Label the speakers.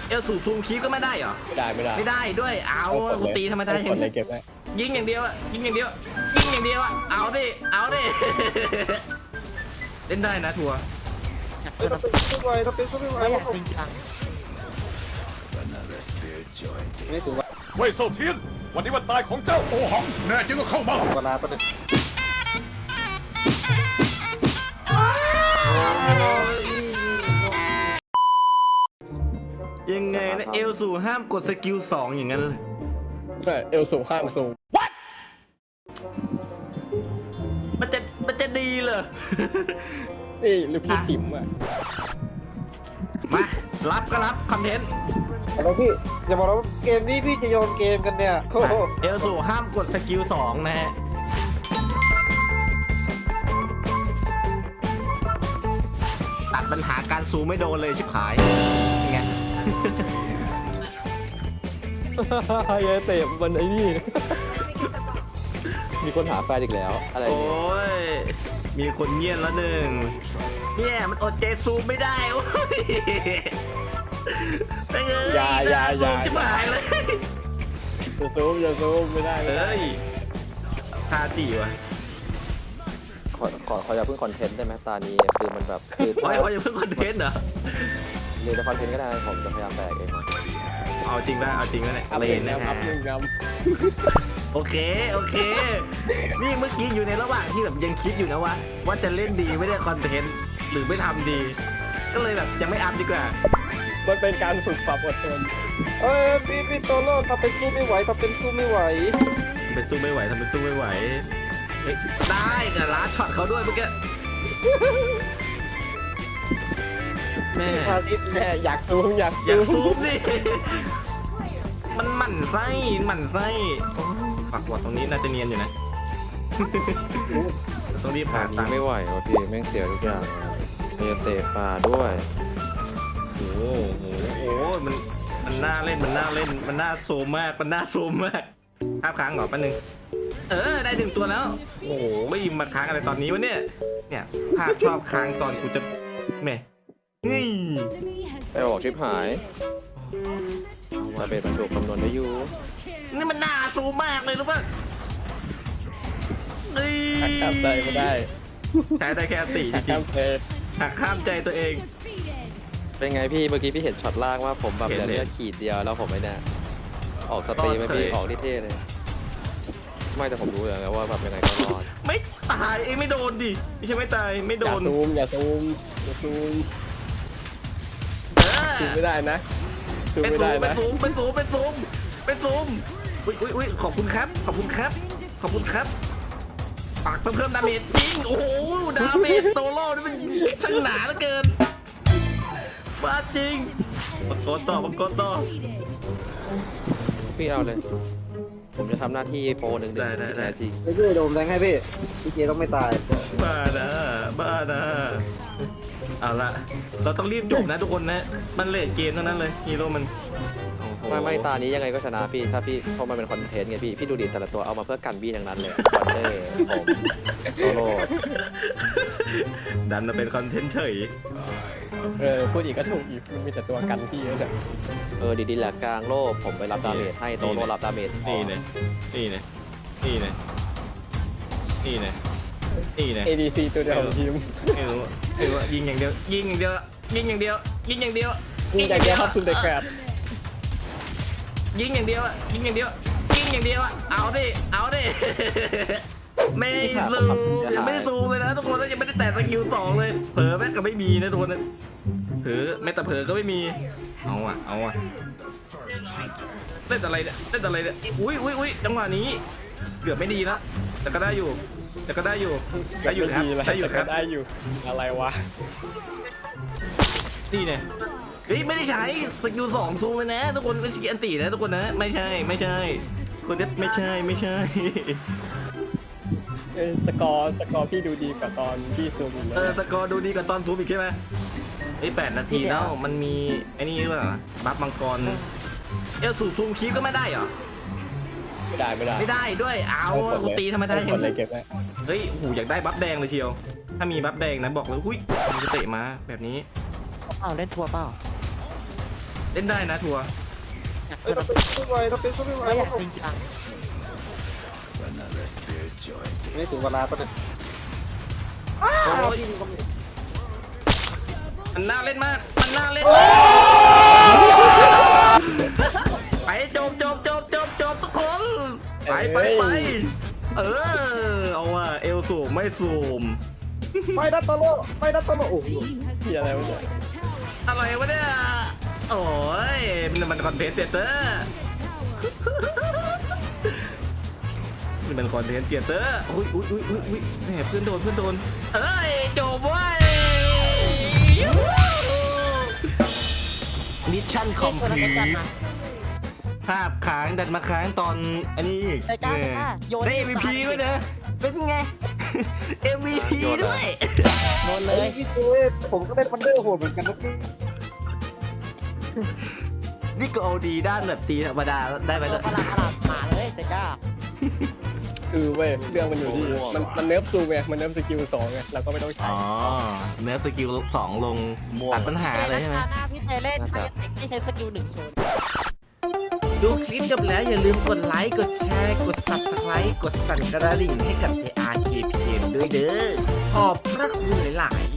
Speaker 1: เอลสูซูมคีก็ไม่ได้เหรอ
Speaker 2: ไม่ได้
Speaker 1: ด้วยเอากูตีธรรมดาเห็นยิงอย่างเดียวอะยิงอย่างเดียวอะเอาดิเล่นได้นะทัวร์
Speaker 3: ถ้าเป็นสู้ไม่ไหวถ้าเป็นสู้ไม่ไหว
Speaker 4: ไม่อยากจริงจัง
Speaker 3: ไม่ถึงว่า
Speaker 5: เว่ยเซาเทียนวันนี้วันตายของเจ้าโอหังแน่จริงก็เข้ามา
Speaker 3: เวลาประเด็น
Speaker 1: ยังไงนะเอลสูห้ามกดสกิล2อย่างนั้นเลย
Speaker 2: ใช่เอลสูงข้างสูง
Speaker 1: มันจะดีเหรอ
Speaker 2: นี่ลูกพี่ติ๋มอ่ะ
Speaker 1: มารับก็รับคอนเทนต์
Speaker 3: แล้วพี่อย่าบอกว่าเกมนี้พี่จะโยนเกมกันเนี่ยโอ้โห
Speaker 1: เอลสูห้ามกดสกิล2นะฮะตัดปัญหาการซูมไม่โดนเลยชิบหายไง
Speaker 2: ยายเตะมันไอ้นี่ มีคนหาแฟนอีกแล้วอะไร
Speaker 1: โอ้
Speaker 2: เนี่ย
Speaker 1: ยมีคนเงียบแล้วหนึ่งเนี่ยมันอดใจซูมไม่ได้โอ้ยไปเลย
Speaker 2: อย่า
Speaker 1: ชิบหายเลย
Speaker 2: อย่าซูมไม่ได้
Speaker 1: เฮ้ยทาจีวะ
Speaker 6: ขออย่าเพิ่งคอนเทนต์ได้ไหมตานี้คือมันแบบคือ
Speaker 1: โอ้ยอย่าเพิ่งคอนเทนต์เหรอ
Speaker 6: หรือจะคอนเทนต์ก็ได้ผมจะพยายามแบกเอง
Speaker 1: เอาจริงป่ะเอาจริงป่ะเนี่ย
Speaker 2: อัพ
Speaker 1: เล
Speaker 2: หนึ่
Speaker 1: น
Speaker 2: ง
Speaker 1: นะ
Speaker 2: นำอั
Speaker 1: ฮะ
Speaker 2: พหนึ่งน
Speaker 1: โอเคนี่เมื่อกี้อยู่ในระหว่างที่แบบยังคิดอยู่นะว่าจะเล่นดีไม่ได้คอนเทนต์หรือไม่ทำดี ก็เลยแบบยังไม่อัพดีกว่า
Speaker 2: ำมันเป็นการฝึกความอดทน
Speaker 3: พี่โตโร่ถ้าเป็นสู้ไม่ไหวถ้าเป็นสู้ไม่ไหว
Speaker 1: เป็นสู้ไม่ไหวทำเป็นสู้ไม่ไหวเฮ้ยได้แต่ล้าช็อตเขาด้วยเมื่อกี้แม่
Speaker 3: พี่พาซิฟ
Speaker 2: แม่อยากซูม
Speaker 1: อยากซูมดิมันหมั่นไส้โอ้ปักหวดตรงนี้น่าจะเนียนอยู่นะต้องรีบ
Speaker 6: ตา
Speaker 1: หา
Speaker 6: นี้
Speaker 1: ตังค์
Speaker 6: ไม่ไหวว่ะพี่แม่งเสียทุกอย่างเมียเตะปลาด้วย
Speaker 1: โอ้โหมันน่าเล่นมันน่าโซมมากภาพค้างเหรอแป๊บนึงได้1ตัวแล้วโอ้โหมาค้างอะไรตอนนี้วะเนี่ยภาพชอบค้างตอนกูจะแม่นี่
Speaker 6: ไปบอกชิปหายมาเป็นมันถูกคำนวณได้อยู่
Speaker 1: นี่มันน่าซูมมากเลยรู้ป่ะนี่
Speaker 2: ข้ามใจไม่ได้
Speaker 1: ใช้ได้แค่ตีจริ
Speaker 2: ข้าง มเพย์
Speaker 1: ๆหักข้ามใจตัวเอง
Speaker 6: เป็นไงพี่เมื่อกี้พี่เห็นช็อตล่างว่าผมแบบ
Speaker 1: เห็น
Speaker 6: เหลือ
Speaker 1: เลย
Speaker 6: เลือดขีดเดียวแล้วผมไม่แน่ออกสตรีมไม่พี่
Speaker 1: รอดเฉย
Speaker 6: ออกที่เท่เลยไม่แต่ผมรู้อยู่แล้วว่าแบบยังไงก็รอด
Speaker 1: ไม่ตายเองไม่โดนดิไม่ใช่ไม่ตายไม่โด
Speaker 2: อย่าน ซูมอย่าซูมซูมไม่ได้นะซูม
Speaker 1: เป็น
Speaker 2: ไม่ได้
Speaker 1: ซูม
Speaker 2: นะ
Speaker 1: เป็นซูมอุ้ยขอบคุณครับปากเพิ่มดาเมจจริงโอ้โหดาเมจโตโร่นี่มันช่างหนาเหลือเกินบ้าจริงมังกรต่อ
Speaker 6: พี่เอาเลย ผมจะทำหน้าที่โปรหนึ่ง
Speaker 1: ได้
Speaker 6: ที่แท้จริง
Speaker 3: ไม่ช่วยโดมแดงให้พี่เจต้องไม่ตาย
Speaker 1: บ้านะเอาละเราต้องรีบจบนะทุกคนนะมันเลทเกมเท่านั้นเลยฮีโร่มันโอ้โห
Speaker 6: ไม่ตานี้ยังไงก็ชนะพี่ถ้าพี่เข้ามาเป็นคอนเทนต์ไงพี่ดูดิแต่ละตัวเอามาเพื่อกันบี้ทั้งนั้นเลยคอนเทนต์ผมโซโล่
Speaker 1: ดันมาเป็นคอนเทนต์เฉย
Speaker 2: พูดอีกก็ถูกอีกมันมีแต่ตัวกันที่เยอะเนี่ย
Speaker 6: ดีแหละกลางโลกผมไปรับดาเมจให้โตโร่รับดาเมจ
Speaker 1: นี่เลย
Speaker 2: ADC ตัวเดียวของทีม
Speaker 1: ไม่รู้ว่ายิงอย่างเดียวยิงอย่างเดียว
Speaker 2: ยิงจากแกครับซุ่มแต่แกรด
Speaker 1: ยิงอย่างเดียวเอาดิไม่ได้ซูมเลยนะทุกคนแล้วยังไม่ได้แตะสกิล2เลยเผลอแม่งก็ไม่มีนะทุกคนเผลอแม้แต่เผลอก็ไม่มีเอาอ่ะเล่นอะไรเนี่ยอุ้ยจังหวะนี้เกือบไม่ดีแล้วแต่ก็ได้อยู่ครับได้อยู่
Speaker 2: อะไรวะ
Speaker 1: นี่เนี่ยไม่ได้ใช้สกิล2ซูมเลยนะทุกคนเป็นสกิลอันตีนะทุกคนนะไม่ใช่คนนี้ไม่ใช่
Speaker 2: สกอร์พี่ดูดีกว่าตอนพี่ซูมอีกนะ
Speaker 1: สกอร์ดูดีกว่าตอนซูมอีกใช่ไหม8 นาทีแล้วมันมีไอ้นี่หรือเปล่าบัฟมังกรเอลซูมคีก็ไม่ได้เหรอ
Speaker 2: ไม่ได้
Speaker 1: ด้วยเอากูตีธรรมดาเห็
Speaker 2: กด
Speaker 1: น
Speaker 2: เลยเก็บไว้
Speaker 1: เฮ้ยหูอยากได้บัฟแดงเลยเชียวถ้ามีบัฟแดงนะบอกเลยหุ้ยมันจะเตะมาแบบนี้
Speaker 4: เอาเล่นทัวร์เปล่า
Speaker 1: เล่นได้นะทัวร์
Speaker 3: เฮ้ยถ้าเป็นสู้ไม่ไหวถ้าเป็นสู้ไม่ไหว
Speaker 4: ไม่อยากจริงจัง
Speaker 3: ไม่ถึงเวลาปะเนี่ย
Speaker 1: โอ้ยมันน่าเล่นมากมันน่าเล่นไปจบทุกคนไปเออเอาว่ะเอลสูงไม่สูม
Speaker 3: ไม่ดัตโตโลไม่ดัตโตโลโอ้โห
Speaker 2: ที่อะไรวะเนี่ย
Speaker 1: อะไรวะเนี่ยโอ้ยมันคอนเทนต์เตเตอร์นี่มันคอนเทนต์เตเตอร์อุ้ยแหมเพื่อนโดนเอ้ยจบเว้ยมิชชั่นคอมพลีทภาพค้างดันมาค้างตอนอันนี้อีก
Speaker 4: ไอ้ก้าโยน
Speaker 1: ได้ MVP ด้วยนะเป็นไง MVP ด้วย
Speaker 4: โดนเลย
Speaker 3: พี่เจผมก็เล่นวันเดอร์โหดเหมือนกันนะพี่
Speaker 1: นี่ก็เอาดีด้านแบบตีธรรมดาได้ไหม
Speaker 4: โด
Speaker 1: เนี่
Speaker 4: น
Speaker 1: ย
Speaker 4: ประหลาดมาเลยไอ้ก้า
Speaker 2: คือเว้ยเรื่องมันอยู่ที่มันเนิร์ฟซูไงมันเนิร์ฟสกิล2ไงเราก็ไม่ต้องใช้
Speaker 1: อ๋อเนื้อสกิล2ลงตัดปัญหาเลยใช่ไหม
Speaker 4: หน้าพี่เจเล่นไม่ใช้สกิล1โชว์
Speaker 1: ดูคลิปจบแล้วอย่าลืมกดไลค์ กดแชร์ กด Subscribe กดสั่นกระดิ่งให้กับ JRKPM ด้วยเด้อ ขอบพระคุณหลาย ๆ